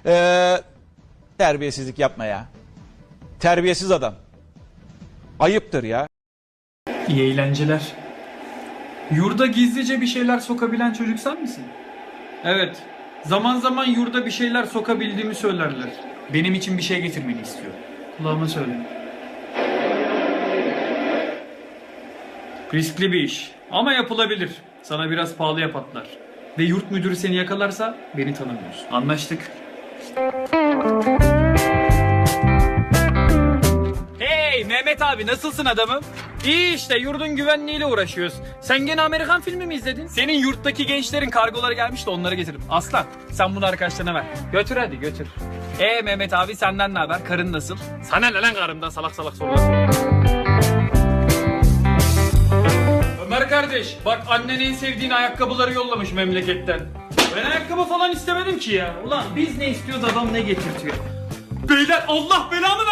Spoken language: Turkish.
Terbiyesizlik yapma ya. Terbiyesiz adam. Ayıptır ya. İyi eğlenceler. Yurda gizlice bir şeyler sokabilen çocuk sen misin? Evet. Zaman zaman yurda bir şeyler sokabildiğimi söylerler. Benim için bir şey getirmeni istiyor. Kulağıma söyle. Riskli bir iş. Ama yapılabilir. Sana biraz pahalıya patlar. Ve yurt müdürü seni yakalarsa beni tanımıyorsun. Anlaştık. Hey Mehmet abi, nasılsın adamım? İyi işte, yurdun güvenliğiyle uğraşıyoruz. Sen gene Amerikan filmi mi izledin? Senin yurttaki gençlerin kargoları gelmiş de onları getirdim. Aslan sen bunu arkadaşlarına ver. Götür hadi götür. Mehmet abi, senden ne haber? Karın nasıl? Sana ne lan karımdan salak salak sorular. Ömer kardeş, bak annen en sevdiğin ayakkabıları yollamış memleketten. Ben ayakkabı falan istemedim ki ya. Ulan biz ne istiyoruz, adam ne getirtiyor. Beyler, Allah belamı ver.